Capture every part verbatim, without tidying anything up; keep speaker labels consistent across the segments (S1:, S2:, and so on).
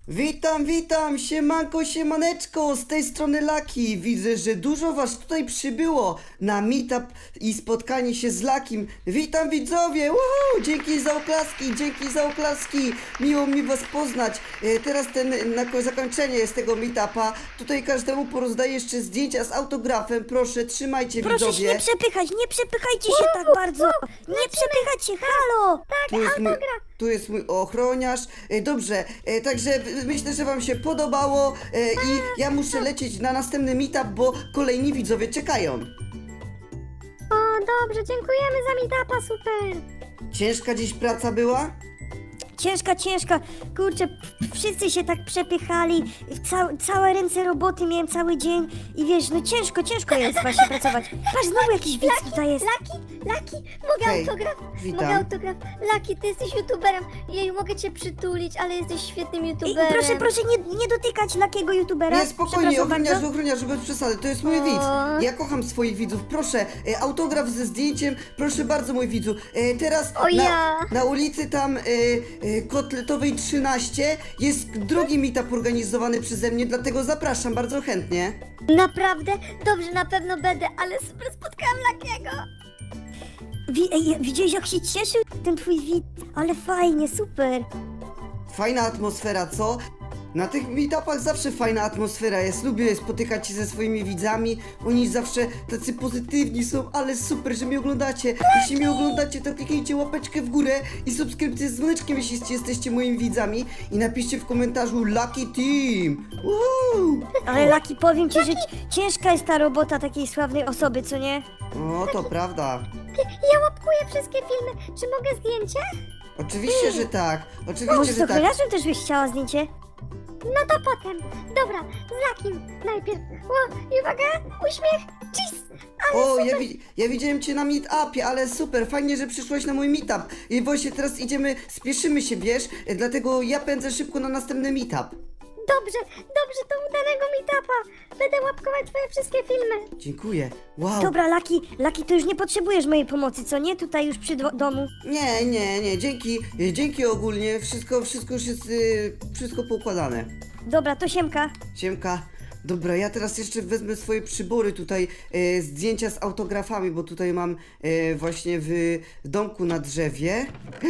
S1: Witam, witam, siemanko, siemaneczko, z tej strony Laki. Widzę, że dużo was tutaj przybyło na meetup i spotkanie się z Lakim. Witam widzowie, Woohoo! Dzięki za oklaski, dzięki za oklaski, miło mi was poznać. E, teraz ten, na ko- zakończenie jest tego meetupa, tutaj każdemu porozdaję jeszcze zdjęcia z autografem, proszę, trzymajcie
S2: Proszę się
S1: widzowie.
S2: nie przepychać, nie przepychajcie się tak bardzo! Nie przepychać się, halo!
S1: Tu jest mój, tu jest mój ochroniarz. E, Dobrze, e, także w- myślę, że wam się podobało e, i ja muszę lecieć na następny meetup, bo kolejni widzowie czekają.
S3: O, dobrze, dziękujemy za meetupa, super.
S1: Ciężka dziś praca była?
S2: Ciężka, ciężka, kurczę, p- wszyscy się tak przepychali, Ca całe ręce roboty miałem cały dzień i wiesz, no ciężko, ciężko jest właśnie pracować. Patrz, znowu jakiś widz tutaj jest.
S3: Laki, Laki, mogę
S1: Hej,
S3: autograf?
S1: witam.
S3: Mogę autograf? Laki, ty jesteś youtuberem. Jeju, mogę cię przytulić, ale jesteś świetnym
S2: I,
S3: youtuberem.
S2: proszę, proszę nie, nie dotykać lakiego youtubera.
S1: Nie, spokojnie,
S2: Przepraszam
S1: ochroniarzu,
S2: bardzo.
S1: ochroniarzu, bez przesady, to jest mój
S3: O.
S1: widz. Ja kocham swoich widzów, proszę, e, autograf ze zdjęciem, proszę bardzo mój widzu. E, teraz
S3: O
S1: na,
S3: ja.
S1: na ulicy tam e, e, Kotletowej trzynaście jest drugi meetup organizowany przeze mnie, dlatego zapraszam bardzo chętnie.
S3: Naprawdę? Dobrze, na pewno będę, ale super spotkałam Lakiego.
S2: Wi ej, widziałeś jak się cieszył ten twój widz? Ale fajnie, super.
S1: Fajna atmosfera, co? Na tych meetupach zawsze fajna atmosfera jest, lubię spotykać się ze swoimi widzami, oni zawsze tacy pozytywni są, ale super, że mnie oglądacie. Jeśli mnie oglądacie, to kliknijcie łapeczkę w górę i subskrypcję z dzwoneczkiem, jeśli jesteście moimi widzami i napiszcie w komentarzu Lucky Team. Woohoo!
S2: Ale Laki, powiem ci, że ci- ciężka jest ta robota takiej sławnej osoby, co nie?
S1: O, to prawda.
S3: Ja łapkuję wszystkie filmy. Czy mogę zdjęcie?
S1: Oczywiście, że tak, oczywiście,
S2: Może z
S1: że tak.
S2: ochroniarzem też byś chciała zdjęcie?
S3: No to potem. Dobra, z Lakim najpierw. O, i uwaga, uśmiech, cheese. Ale
S1: O,
S3: super.
S1: ja, wi- ja widziałem cię na meetupie, ale super, fajnie, że przyszłaś na mój meetup. I właśnie teraz idziemy, spieszymy się, wiesz, e, dlatego ja pędzę szybko na następny meetup.
S3: Dobrze, dobrze, to udanego meetupa. Będę łapkować twoje wszystkie filmy.
S1: Dziękuję. Wow.
S2: Dobra, Laki, Laki, to już nie potrzebujesz mojej pomocy, co nie? Tutaj już przy do domu.
S1: Nie, nie, nie, dzięki, e, dzięki ogólnie, wszystko, wszystko już jest, e, wszystko poukładane.
S2: Dobra, to siemka.
S1: Siemka. Dobra, ja teraz jeszcze wezmę swoje przybory tutaj, e, zdjęcia z autografami, bo tutaj mam e, właśnie w domku na drzewie.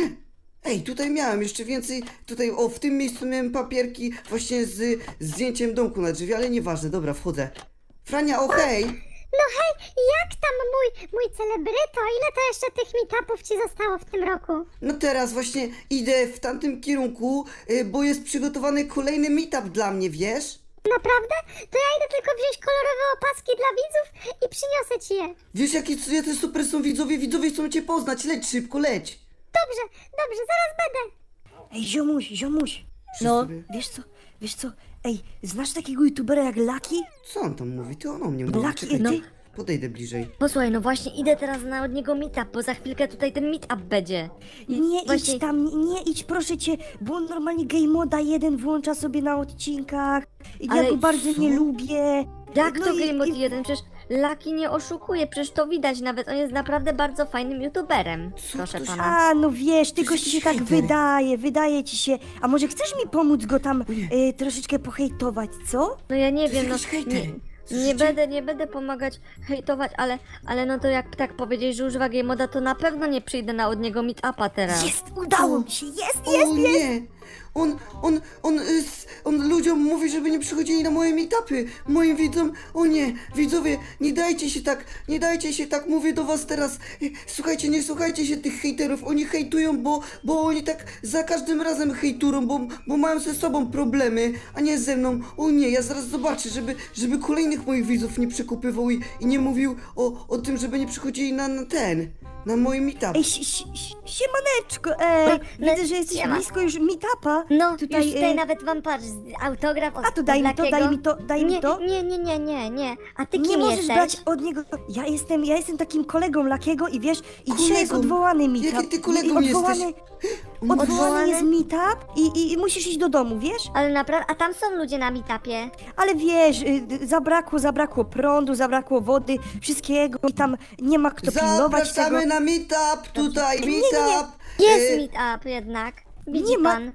S1: Ej, tutaj miałem jeszcze więcej, tutaj, o, w tym miejscu miałem papierki właśnie z zdjęciem domku na drzewie, ale nieważne, dobra, wchodzę. Frania, o hej!
S3: No hej, jak tam mój, mój celebryto? Ile to jeszcze tych meetupów ci zostało w tym roku?
S1: No teraz właśnie idę w tamtym kierunku, e, bo jest przygotowany kolejny meetup dla mnie, wiesz?
S3: Naprawdę? To ja idę tylko wziąć kolorowe opaski dla widzów i przyniosę ci je.
S1: Wiesz, jakie jacy super są widzowie, widzowie chcą cię poznać, leć szybko, leć!
S3: Dobrze, dobrze, zaraz będę.
S2: Ej, ziomuś, ziomuś.
S1: No.
S2: No, wiesz co, wiesz co? Ej, znasz takiego youtubera jak Laki?
S1: Co on tam mówi? Ty on o mnie mówi,
S2: Laki,
S1: czekaj,
S2: no.
S1: ty. Podejdę bliżej.
S4: Posłuchaj, no właśnie idę teraz na od niego meetup, bo za chwilkę tutaj ten meetup będzie. I
S2: Nie
S4: właśnie...
S2: idź tam, nie, nie idź, proszę cię, bo on normalnie game moda jeden włącza sobie na odcinkach. I ja
S4: Ale
S2: go bardzo
S1: co?
S2: nie lubię.
S4: Jak
S2: No
S4: to
S2: i-
S4: Game Mode
S2: i-
S4: jeden? Przecież Lucky nie oszukuje, przecież to widać nawet, on jest naprawdę bardzo fajnym youtuberem.
S1: Co
S4: Proszę
S1: ktoś-
S4: pana.
S2: A, no wiesz, tylko
S1: jest
S2: ci się
S1: jakiś
S2: tak
S1: hejter.
S2: wydaje, wydaje ci się. A może chcesz mi pomóc go tam y, troszeczkę pohejtować, co?
S4: No ja nie
S1: To jest
S4: wiem, no
S1: jakiś hejter.
S4: nie, nie
S1: Słyszycie?
S4: będę, nie będę pomagać hejtować, ale, ale no to jak tak powiedzieć, że używa Game Moda, to na pewno nie przyjdę na od niego meetupa teraz.
S2: Jest, udało mi się, jest,
S1: O
S2: jest, jest.
S1: nie! On, on, on, y, s- on ludziom mówi, żeby nie przychodzili na moje meetupy. Moim widzom, o nie, widzowie, nie dajcie się tak, nie dajcie się tak, mówię do was teraz. Y, Słuchajcie, nie słuchajcie się tych hejterów, oni hejtują, bo, bo oni tak za każdym razem hejtują, bo, bo mają ze sobą problemy, a nie ze mną. O nie, ja zaraz zobaczę, żeby, żeby kolejnych moich widzów nie przekupywał i, i nie mówił o, o tym, żeby nie przychodzili na, na ten, na mój meetup.
S2: Ej, si, si, si, siemaneczko, ej,
S3: No,
S2: widzę, że jesteś
S3: siema.
S2: blisko już meetupa.
S3: No,
S2: Tutaj,
S3: już tutaj
S2: y,
S3: nawet wam patrz, autograf od
S2: A to daj mi to,
S3: Lakiego.
S2: daj mi to, daj mi
S3: nie,
S2: to.
S3: Nie, nie, nie, nie, nie. A ty
S2: Nie
S3: kim
S2: możesz
S3: jesteś?
S2: brać od niego. Ja jestem, ja jestem takim kolegą Lakiego i wiesz, i dzisiaj jest
S1: Kolegą?
S2: odwołany meetup.
S1: Jaki ty
S2: I
S1: kolegą
S2: odwołany,
S1: jesteś?
S2: odwołany
S3: Odwołany?
S2: jest meetup i, i, i musisz iść do domu, wiesz?
S3: Ale naprawdę, a tam są ludzie na meetupie.
S2: Ale wiesz, y, zabrakło, zabrakło prądu, zabrakło wody, wszystkiego i tam nie ma kto pilnować tego.
S1: Zapraszamy na meetup, tutaj
S2: Nie, nie, nie.
S1: meetup.
S3: Jest
S1: Y,
S3: meetup jednak. Widzi
S2: Nie ma-
S3: pan.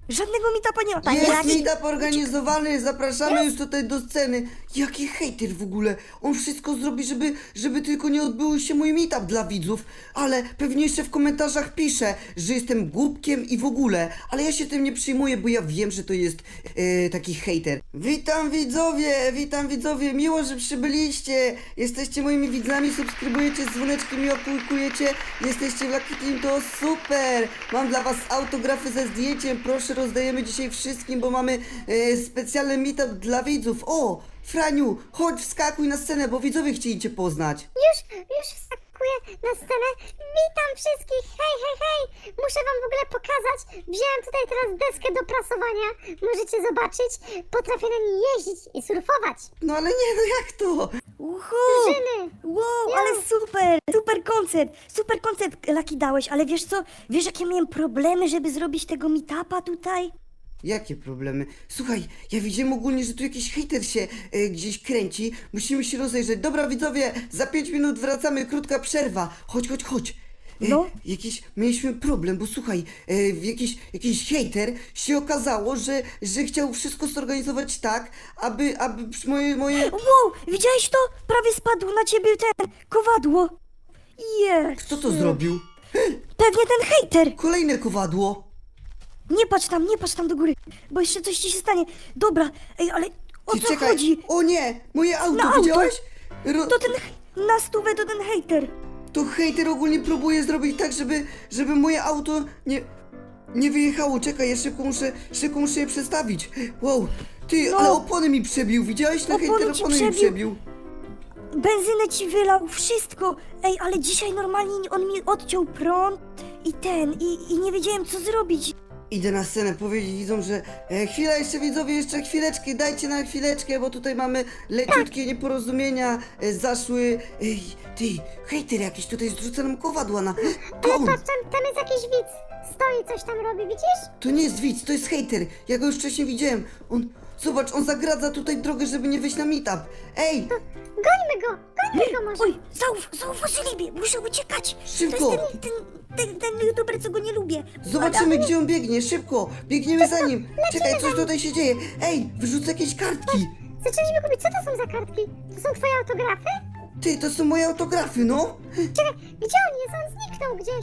S2: Żadnego meetupa nie ma. Panie
S1: Jest
S2: Laki,
S1: meetup organizowany, zapraszamy już tutaj do sceny. Jaki hejter w ogóle. On wszystko zrobi, żeby, żeby tylko nie odbył się mój meetup dla widzów. Ale pewnie jeszcze w komentarzach pisze, że jestem głupkiem i w ogóle. Ale ja się tym nie przyjmuję, bo ja wiem, że to jest e, taki hejter. Witam widzowie, witam widzowie. Miło, że przybyliście. Jesteście moimi widzami, subskrybujecie z dzwoneczkiem i opłukujecie. Jesteście w Lucky Team, to super. Mam dla was autografy ze zdjęciem. Proszę, rozdajemy dzisiaj wszystkim, bo mamy e, specjalny meetup dla widzów. O, Franiu, chodź, wskakuj na scenę, bo widzowie chcieli cię poznać.
S3: Już, już wskakuję na scenę. Witam wszystkich, hej, hej, hej. Muszę wam w ogóle pokazać. Wziąłem tutaj teraz deskę do prasowania. Możecie zobaczyć. Potrafię na niej jeździć i surfować.
S1: No ale nie, no jak to?
S2: uhu!
S3: Drużyny.
S2: Wow, ale super! Super koncept! Super koncept, Laki, dałeś, ale wiesz co? Wiesz, jakie miałem problemy, żeby zrobić tego meetupa tutaj?
S1: Jakie problemy? Słuchaj, ja widziałem ogólnie, że tu jakiś hejter się e, gdzieś kręci. Musimy się rozejrzeć. Dobra, widzowie, za pięć minut wracamy, krótka przerwa. Chodź, chodź, chodź. E,
S2: No.
S1: Jakiś, mieliśmy problem, bo słuchaj, e, jakiś, jakiś hejter się okazało, że, że chciał wszystko zorganizować tak, aby, aby przy- moje, moje...
S2: Wow, widziałeś to? Prawie spadł na ciebie ten kowadło. Jest.
S1: Kto to zrobił?
S2: Pewnie ten hejter.
S1: Kolejne kowadło.
S2: Nie patrz tam, nie patrz tam do góry, bo jeszcze coś ci się stanie. Dobra, ej, ale o
S1: Ty
S2: co
S1: czekaj.
S2: chodzi?
S1: O nie, moje auto,
S2: Na auto.
S1: widziałeś? Ro...
S2: To ten hej- na stówę to ten hejter.
S1: To hejter ogólnie próbuje zrobić tak, żeby, żeby moje auto nie, nie wyjechało. Czekaj, ja szybko muszę, szybko muszę je przestawić. Wow, ty,
S2: No.
S1: ale opony mi przebił, widziałeś? Ten
S2: Opony
S1: hejter
S2: ci
S1: opony mi
S2: przebił.
S1: przebił.
S2: Benzynę ci wylał, wszystko. Ej, ale dzisiaj normalnie on mi odciął prąd i ten, i, i nie wiedziałem co zrobić.
S1: Idę na scenę powiedzieć widzom, że e, chwila jeszcze widzowie, jeszcze chwileczkę, dajcie na chwileczkę, bo tutaj mamy leciutkie nieporozumienia, e, zaszły. Ej, ty, hejter jakiś tutaj zrzuca nam kowadła na... To
S3: Ale
S1: on,
S3: patrz, tam, tam jest jakiś widz. Stoi, coś tam robi, widzisz?
S1: to nie jest widz, to jest hejter. Ja go już wcześniej widziałem. On, zobacz, on zagradza tutaj drogę, żeby nie wyjść na meetup. Ej,
S3: Gońmy go, gońmy go może.
S2: Oj, zauf, zauważyli mnie, muszę uciekać.
S1: Szybko.
S2: To jest ten, ten, ten, ten youtuber, co go nie lubię.
S1: zobaczymy gdzie on biegnie, szybko, biegniemy za nim. Czekaj, coś tutaj się dzieje. Ej, wyrzucę jakieś kartki.
S3: Zaczęliśmy kupić, co to są za kartki? To są twoje autografy?
S1: Ty, to są moje autografy, no.
S3: Czekaj, gdzie on jest? On zniknął gdzieś.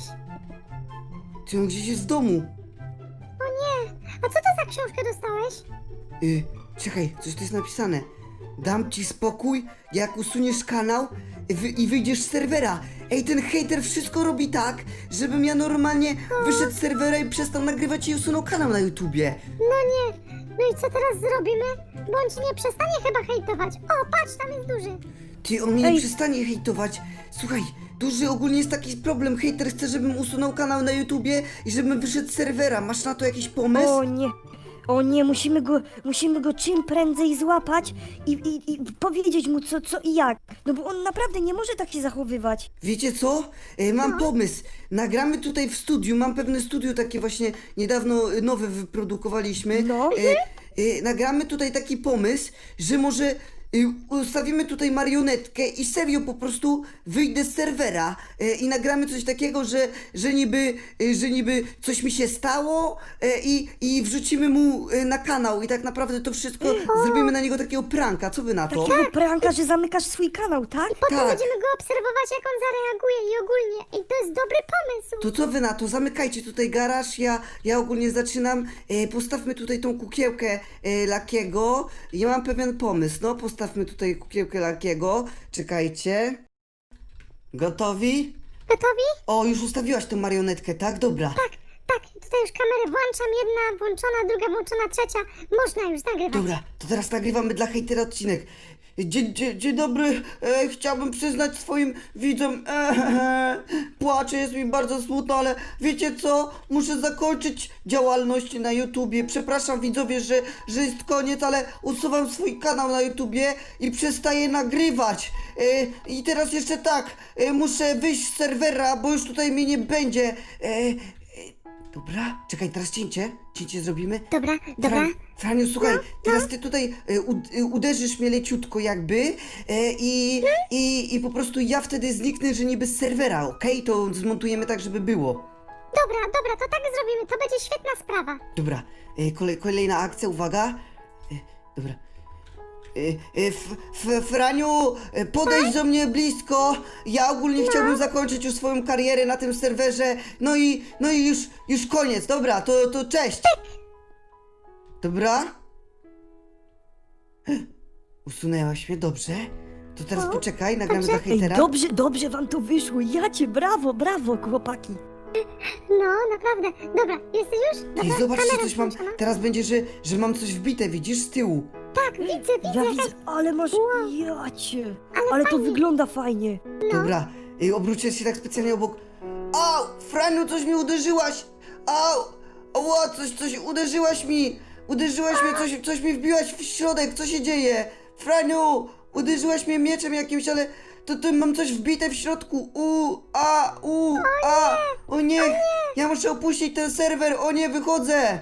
S1: Ty, on gdzieś jest w domu.
S3: O nie, a co to za książkę dostałeś?
S1: Y, czekaj, coś tu jest napisane. Dam ci spokój, jak usuniesz kanał i, wy, i wyjdziesz z serwera. Ej, ten hejter wszystko robi tak, żebym ja normalnie wyszedł z serwera i przestał nagrywać i usunął kanał na YouTubie.
S3: No nie, no i co teraz zrobimy? Bo on ci nie przestanie chyba hejtować. O, patrz, tam jest duży.
S1: Ty, on mnie nie
S2: Ej.
S1: przestanie hejtować. Słuchaj, duży ogólnie jest taki problem. Hejter chce, żebym usunął kanał na YouTubie i żebym wyszedł z serwera. Masz na to jakiś pomysł?
S2: O nie, o nie, musimy go, musimy go czym prędzej złapać i, i, i powiedzieć mu co, co i jak. No bo on naprawdę nie może tak się zachowywać.
S1: Wiecie co? E, mam pomysł. Nagramy tutaj w studiu. Mam pewne studio takie właśnie niedawno e, nowe wyprodukowaliśmy.
S2: No.
S1: E, e, nagramy tutaj taki pomysł, że może e, ustawimy tutaj marionetkę i serio po prostu wyjdę z serwera e, i nagramy coś takiego, że, że niby, e, że niby coś mi się stało e, i, i wrzucimy mu e, na kanał i tak naprawdę to wszystko zrobimy na niego takiego pranka. Co wy na to?
S2: Takiego pranka, że zamykasz swój kanał, tak?
S3: Potem
S1: Tak.
S3: będziemy go obserwować, jak on zareaguje i ogólnie. I to jest dobry pomysł.
S1: To co wy na to? Zamykajcie tutaj garaż, ja, ja ogólnie zaczynam. E, postawmy tutaj tą kukiełkę e, Lakiego. Ja mam pewien pomysł, no postawmy tutaj kukiełkę Lakiego. Czekajcie. Gotowi?
S3: Gotowi?
S1: O, już ustawiłaś tą marionetkę, tak? Dobra.
S3: Tak, tak. Tutaj już kamerę włączam. Jedna włączona, druga włączona, trzecia. Można już nagrywać.
S1: Dobra, to teraz nagrywamy dla hejtera odcinek. Dzień, dzień, dzień dobry, e, chciałbym przyznać swoim widzom, e, e, płaczę, jest mi bardzo smutno, ale wiecie co, muszę zakończyć działalność na YouTubie, przepraszam widzowie, że, że jest koniec, ale usuwam swój kanał na YouTubie i przestaję nagrywać. E, I teraz jeszcze tak, e, muszę wyjść z serwera, bo już tutaj mnie nie będzie. E, e, dobra, czekaj, teraz cięcie, cięcie zrobimy.
S3: Dobra, dobra.
S1: Fran, Franiu, słuchaj, teraz ty tutaj e, u, e, uderzysz mnie leciutko jakby e, i, i, i po prostu ja wtedy zniknę, że niby z serwera, okej? To zmontujemy tak, żeby było.
S3: Dobra, dobra, to tak zrobimy, to będzie świetna sprawa.
S1: Dobra, y, kolej, kolejna akcja, uwaga. Y, dobra. Y, y, f, f, Franiu, y, podejdź do mnie blisko. Ja ogólnie chciałbym zakończyć już swoją karierę na tym serwerze. No i, no i już, już koniec. Dobra, to, to cześć. Dobra. Usunęłaś mnie, dobrze. To teraz poczekaj, nagramy dla
S2: Ej,
S1: hejtera.
S2: dobrze, dobrze wam to wyszło. Ja cię, brawo, brawo, chłopaki.
S3: No, naprawdę. Dobra, jesteś już?
S1: Ty,
S3: Dobra,
S1: zobaczcie,
S3: kamera
S1: coś mam.
S3: włączona.
S1: Teraz będzie, że, że mam coś wbite, widzisz, z tyłu.
S3: Tak, widzę, widzę.
S2: Ja
S3: jakaś...
S2: widzę, ale masz... Ja cię.
S3: Ale
S2: Ale to
S3: fajnie.
S2: wygląda fajnie.
S1: Dobra, y, obróciłem się tak specjalnie obok. Au! Franiu, coś mi uderzyłaś! Au! Ała, coś, coś, uderzyłaś mi! Uderzyłaś mnie, coś, coś mi wbiłaś w środek, co się dzieje? Franiu! Uderzyłaś mnie mieczem jakimś, ale to, to mam coś wbite w środku. U, a, u, a! O nie! Ja muszę opuścić ten serwer, o nie, wychodzę!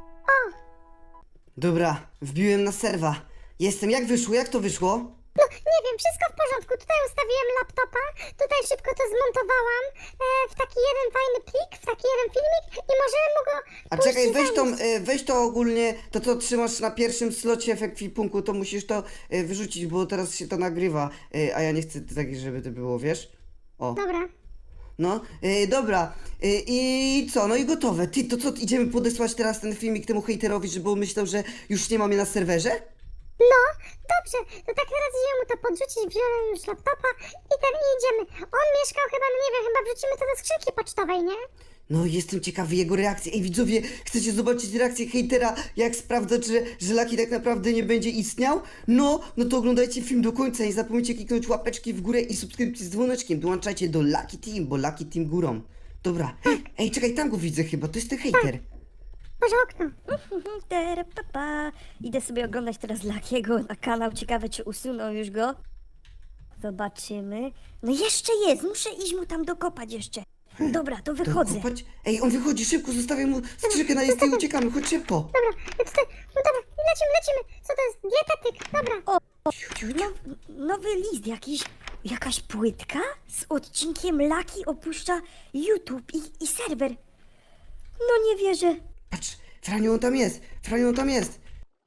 S1: Dobra, wbiłem na serwa. Jestem, jak wyszło, jak to wyszło?
S3: No, nie wiem, wszystko w porządku. Tutaj ustawiłem laptopa, tutaj szybko to zmontowałam e, w taki jeden fajny plik, w taki jeden filmik i możemy mu go
S1: A
S3: później
S1: czekaj, weź to,
S3: zanieść.
S1: e, weź to ogólnie, to co trzymasz na pierwszym slocie w ekwipunku, to musisz to e, wyrzucić, bo teraz się to nagrywa, e, a ja nie chcę tak, żeby to było, wiesz? O,
S3: Dobra.
S1: no, e, dobra, e, i co, no i gotowe. Ty, to co, idziemy podesłać teraz ten filmik temu hejterowi, żeby on myślał, że już nie ma mnie na serwerze?
S3: No, dobrze, to tak teraz idziemy mu to podrzucić, wziąłem już laptopa i ten i idziemy. On mieszkał chyba, no nie wiem, chyba wrzucimy to do skrzynki pocztowej, nie?
S1: No, jestem ciekawy jego reakcji. Ej, widzowie, chcecie zobaczyć reakcję hejtera, jak sprawdzać, że, że Lucky tak naprawdę nie będzie istniał? No, no to oglądajcie film do końca. Nie zapomnijcie kliknąć łapeczki w górę i subskrypcji z dzwoneczkiem. Dołączajcie do Lucky Team, bo Lucky Team górą. Dobra. Ej, czekaj, tam go widzę chyba, to jest ten hejter.
S3: Może okno.
S2: Mhm, tere, pa, pa. Idę sobie oglądać teraz Luckiego na kanał. Ciekawe, czy usunął już go. Zobaczymy. No jeszcze jest, muszę iść mu tam dokopać jeszcze. Dobra, to
S1: To
S2: wychodzę.
S1: kopać? Ej, on wychodzi, szybko, zostawiam mu skrzynkę na jest i uciekamy, chodź szybko.
S3: Dobra, tutaj, no dobra, lecimy, lecimy. Co to jest? Dietetyk, dobra.
S2: Now, nowy list jakiś, jakaś płytka z odcinkiem Lucky opuszcza YouTube i, i serwer. No nie wierzę.
S1: Patrz, Franiu, on tam jest, Franiu, on tam jest.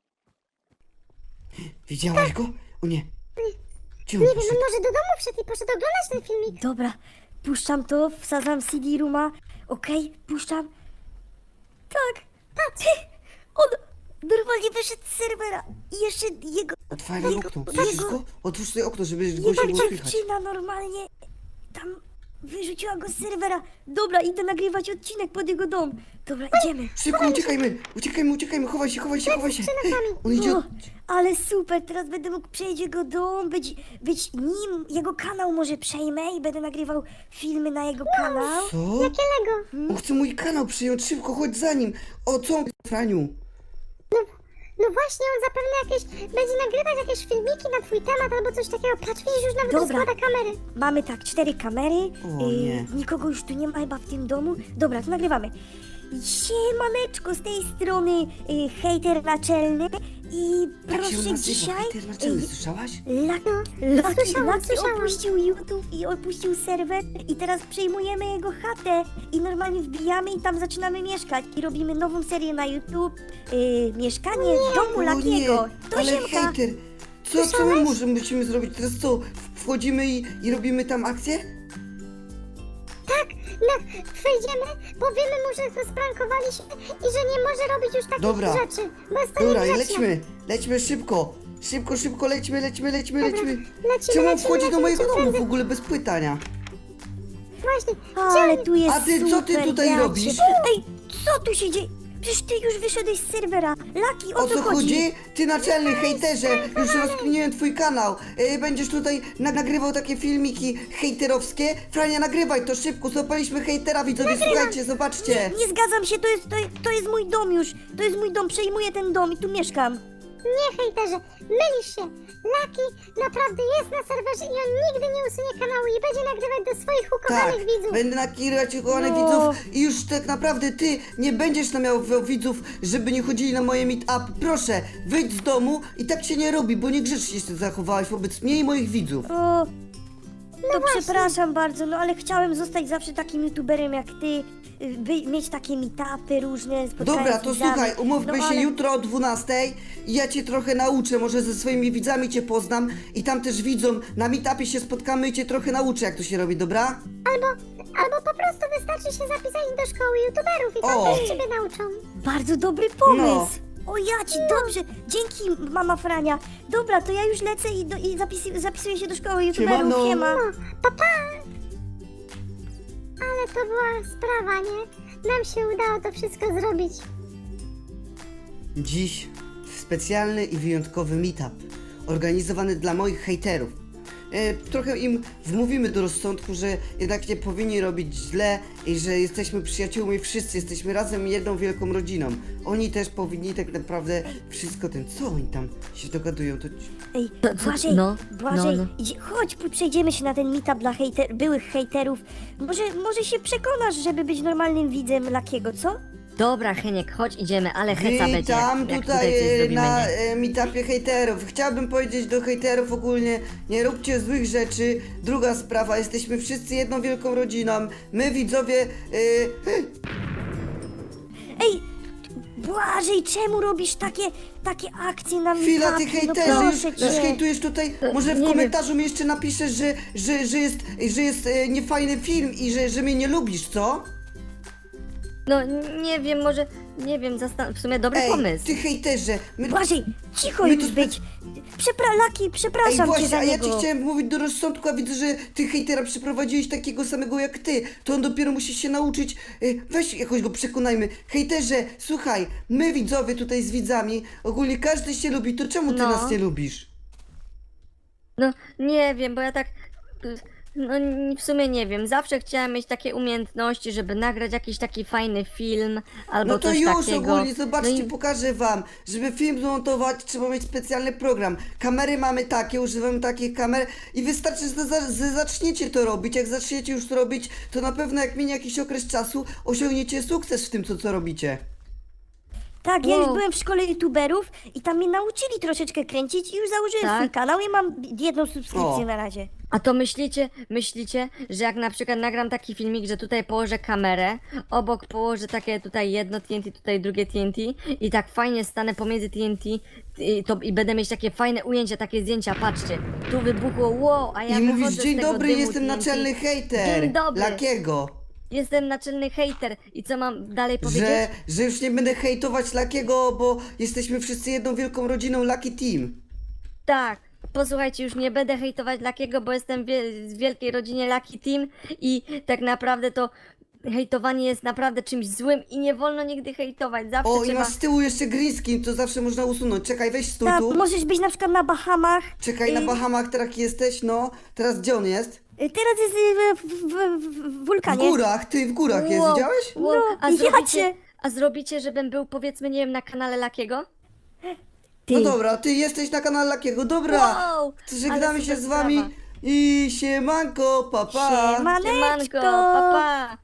S1: Widziałaś go? O nie. Gdzie on
S3: Nie wiem,
S1: poszedł?
S3: on może do domu wszedł i poszedł oglądać ten filmik.
S2: Dobra, puszczam to, wsadzam C D Rooma. Okej, puszczam. Tak, patrz. On normalnie wyszedł z serwera. I jeszcze jego,
S1: Otwieraj
S2: jego,
S1: okno, słyszysz go? Otwórz sobie okno, żeby go
S2: jego
S1: się było słychać.
S2: dziewczyna normalnie tam wyrzuciła go z serwera. Dobra, idę nagrywać odcinek pod jego dom. Dobra, idziemy.
S1: Szybko, uciekajmy, uciekajmy, uciekajmy, chowaj się, chowaj się, chowaj się. On idzie
S2: O,
S1: od...
S2: ale super, teraz będę mógł przejść jego dom, być, być nim, jego kanał może przejmę i będę nagrywał filmy na jego kanał.
S1: Co?
S3: Jakiego?
S1: On chce mój kanał przyjąć, szybko, chodź za nim. O, co on, Franiu?
S3: No właśnie, on zapewne jakieś, będzie nagrywać jakieś filmiki na twój temat albo coś takiego. Patrz, widzisz, już nawet
S2: Dobra.
S3: rozkłada kamery.
S2: Mamy tak, cztery kamery,
S1: O,
S2: y,
S1: nie.
S2: nikogo już tu nie ma chyba w tym domu. Dobra, to nagrywamy. Siemaneczko, z tej strony y, hejter naczelny i
S1: Tak się on
S2: proszę
S1: nazywa,
S2: dzisiaj...
S1: hejter naczelny,
S2: y,
S1: słyszałaś?
S2: Laki,
S3: słyszałam,
S2: Laki
S3: słyszałam.
S2: opuścił YouTube i opuścił serwer i teraz przejmujemy jego chatę i normalnie wbijamy i tam zaczynamy mieszkać i robimy nową serię na YouTube, y, mieszkanie w domu
S1: O
S2: Lakiego.
S1: nie,
S2: To
S1: ale
S2: Siemka.
S1: hejter. Co, co my możemy, musimy zrobić? Teraz co, wchodzimy i, i robimy tam akcję?
S3: Tak, no, wejdziemy, powiemy mu, że go sprankowaliśmy i że nie może robić już takich
S1: Dobra.
S3: rzeczy, bo jest to
S1: Dobra, i
S3: niegrzeczne.
S1: lećmy, lećmy szybko. Szybko, szybko, lećmy, lećmy, lećmy,
S3: Dobra,
S1: lećmy.
S3: lecimy,
S1: Czemu on
S3: lecimy,
S1: wchodzi do
S3: lecimy,
S1: mojego
S3: lecimy
S1: domu w
S3: prędzej.
S1: ogóle bez pytania?
S3: Właśnie,
S2: Ale tu jest
S1: A ty, co ty
S2: super,
S1: tutaj
S2: ja cię-
S1: robisz?
S2: Ej, co tu się dzieje? Przecież ty już wyszedłeś z serwera. Laki, o,
S1: O co chodzi? Ty naczelny hejterze, już rozkminiłem twój kanał. E, Będziesz tutaj na nagrywał takie filmiki hejterowskie. Frania, nagrywaj to szybko, złapaliśmy hejtera, widzowie, słuchajcie, zobaczcie.
S2: Nie zgadzam się, to jest, to, to jest mój dom już. To jest mój dom, przejmuję ten dom i tu mieszkam.
S3: nie hejterze, mylisz się. Lucky naprawdę jest na serwerze i on nigdy nie usunie kanału i będzie nagrywać do swoich
S1: Tak,
S3: ukochanych widzów.
S1: będę nakierować ukochanych
S2: No.
S1: widzów i już tak naprawdę ty nie będziesz namawiał widzów, żeby nie chodzili na moje meet-up. Proszę, wyjdź z domu i tak się nie robi, bo niegrzecznie się zachowałeś wobec mnie i moich widzów.
S2: O, to przepraszam bardzo, no ale chciałem zostać zawsze takim youtuberem jak ty, y, by, mieć takie meetupy różne, spotkania
S1: Dobra,
S2: z
S1: to
S2: widzami.
S1: słuchaj, umówmy
S2: no,
S1: się
S2: ale...
S1: jutro o dwunastej i ja cię trochę nauczę, może ze swoimi widzami cię poznam i tam też widzom na meetupie się spotkamy i cię trochę nauczę, jak to się robi, dobra?
S3: Albo, albo po prostu wystarczy się zapisać do szkoły youtuberów i tam
S1: O.
S3: też ciebie nauczą.
S2: Bardzo dobry pomysł.
S1: No.
S2: O ja ci, dobrze, dzięki mama Frania. Dobra, to ja już lecę i, do, i zapis, zapisuję się do szkoły youtuberów,
S1: Siemano.
S2: siema.
S3: No, pa, pa. Ale to była sprawa, nie? Nam się udało to wszystko zrobić.
S1: Dziś specjalny i wyjątkowy meetup organizowany dla moich hejterów. E, trochę im wmówimy do rozsądku, że jednak nie powinni robić źle i że jesteśmy przyjaciółmi, wszyscy jesteśmy razem jedną wielką rodziną. Oni też powinni tak naprawdę wszystko ten, co oni tam się dogadują, to...
S2: Ej,
S4: co-
S2: Błażej,
S4: no,
S2: Błażej,
S4: no, no.
S2: Idzie, chodź, p- przejdziemy się na ten meetup dla hejter, byłych hejterów. Może, może się przekonasz, żeby być normalnym widzem Lakiego, co?
S4: Dobra, Heniek, chodź idziemy, ale heca będzie,
S1: Witam
S4: jak, jak
S1: tutaj
S4: tutaj coś
S1: e,
S4: zrobimy,
S1: na
S4: nie?
S1: e, meetupie hejterów. Chciałbym powiedzieć do hejterów ogólnie, nie róbcie złych rzeczy. Druga sprawa, jesteśmy wszyscy jedną wielką rodziną. My widzowie... E,
S2: Ej, Błażej, czemu robisz takie, takie akcje na
S1: Chwila, ty
S2: meetupie? No
S1: hejterzy, już,
S2: proszę
S1: już
S2: cię.
S1: hejtujesz tutaj. Może w
S4: nie
S1: komentarzu mi jeszcze napiszesz, że, że, że jest, że jest e, niefajny film i że, że mnie nie lubisz, co?
S4: No, nie wiem, może, nie wiem, zastan- w sumie dobry
S1: Ej,
S4: pomysł.
S1: ty hejterze. My,
S2: Błażej, cicho
S1: My
S2: już
S1: tu spe-
S2: być. Przepra Laki,
S1: Ej,
S2: przepraszam cię
S1: właśnie,
S2: za
S1: a ja
S2: niego.
S1: ci chciałem mówić do rozsądku, a widzę, że ty hejtera przyprowadziłeś takiego samego jak ty. To on dopiero musi się nauczyć. E, Weź jakoś go przekonajmy. Hejterze, słuchaj, my widzowie tutaj z widzami, ogólnie każdy się lubi, to czemu ty
S4: No.
S1: nas nie lubisz?
S4: No, nie wiem, bo ja tak. No, n- w sumie nie wiem. Zawsze chciałam mieć takie umiejętności, żeby nagrać jakiś taki fajny film albo
S1: No to
S4: coś
S1: już
S4: takiego.
S1: ogólnie, zobaczcie,
S4: no i,
S1: pokażę wam. Żeby film zmontować, trzeba mieć specjalny program. Kamery mamy takie, używamy takich kamer i wystarczy, że, za, że zaczniecie to robić. Jak zaczniecie już to robić, to na pewno jak minie jakiś okres czasu, osiągniecie sukces w tym, co, co robicie.
S2: Tak, ja już
S4: Wow.
S2: byłem w szkole youtuberów i tam mnie nauczyli troszeczkę kręcić i już założyłem
S4: Tak?
S2: swój kanał i mam jedną subskrypcję
S1: O.
S2: na razie.
S4: A to myślicie, myślicie, że jak na przykład nagram taki filmik, że tutaj położę kamerę, obok położę takie tutaj jedno T N T, tutaj drugie T N T i tak fajnie stanę pomiędzy T N T i, to, i będę mieć takie fajne ujęcia, takie zdjęcia, patrzcie, tu wybuchło, wow, a ja
S1: I
S4: wychodzę
S1: mówisz,
S4: z
S1: dzień
S4: tego
S1: dobry,
S4: dymu
S1: jestem
S4: T N T.
S1: naczelny hejter.
S4: Dzień dobry.
S1: Lakiego.
S4: Jestem naczelny hejter i co mam dalej powiedzieć?
S1: Że, że już nie będę hejtować Lakiego, bo jesteśmy wszyscy jedną wielką rodziną Lucky Team.
S4: Tak, posłuchajcie, już nie będę hejtować Lakiego, bo jestem wie- w wielkiej rodzinie Lucky Team i tak naprawdę to hejtowanie jest naprawdę czymś złym i nie wolno nigdy hejtować. Zawsze
S1: O, i
S4: trzeba...
S1: masz z tyłu jeszcze green screen, to zawsze można usunąć. Czekaj, weź stój
S2: Tak,
S1: tu.
S2: możesz być na przykład na Bahamach.
S1: Czekaj, na
S2: Y,
S1: Bahamach teraz jesteś, no. Teraz gdzie on jest?
S2: y, Teraz jest y, w, w, w, w
S1: W
S2: wulkanie.
S1: górach, ty w górach jest,
S4: Wow,
S1: widziałeś?
S4: wow.
S2: No,
S4: a,
S2: ja
S4: zrobicie,
S2: cię-
S4: a zrobicie, żebym był powiedzmy, nie wiem, na kanale Lakiego?
S2: Ty.
S1: No dobra, ty jesteś na kanale Lakiego, dobra.
S4: Wow,
S1: To żegnamy
S4: ale
S1: się
S4: super
S1: z wami
S4: sprawa.
S1: i siemanko, papa.
S2: Siemaneczko.
S4: Siemanko, pa pa!